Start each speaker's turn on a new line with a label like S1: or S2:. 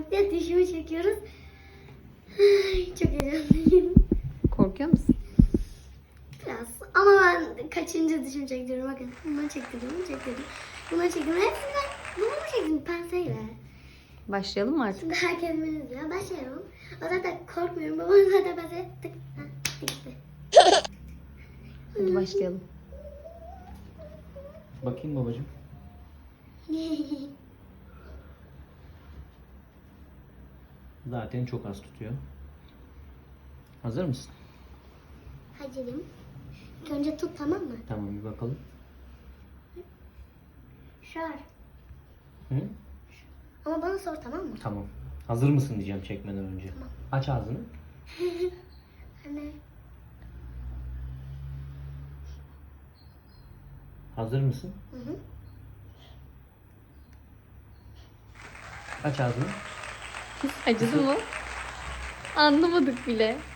S1: diye dişimi çekiyoruz. Ay, çok heyecanlıyım.
S2: Korkuyor musun?
S1: Biraz. Ama ben kaçıncı dişimi çektiriyorum. Bakın bunu çektirdim, bunu çektirdim. Bunu çektim. Hepsinden bunu mu çektim penseyle?
S2: Başlayalım mı artık?
S1: Şimdi herkes beni izliyor. Başlayalım. O zaten korkmuyorum. Babam zaten pense tık tık gitti.
S2: Hadi başlayalım.
S3: Bakayım babacığım. Zaten çok az tutuyor. Hazır mısın?
S1: Hazırım. İlk önce tut, tamam mı?
S3: Tamam, bir bakalım.
S1: Şar.
S3: Hı?
S1: Ama bana sor, tamam mı?
S3: Tamam. Hazır mısın diyeceğim çekmeden önce.
S1: Tamam.
S3: Aç ağzını.
S1: Anne.
S3: Hazır mısın?
S1: Hı hı.
S3: Aç ağzını.
S2: Acıdı mı? Anlamadık bile.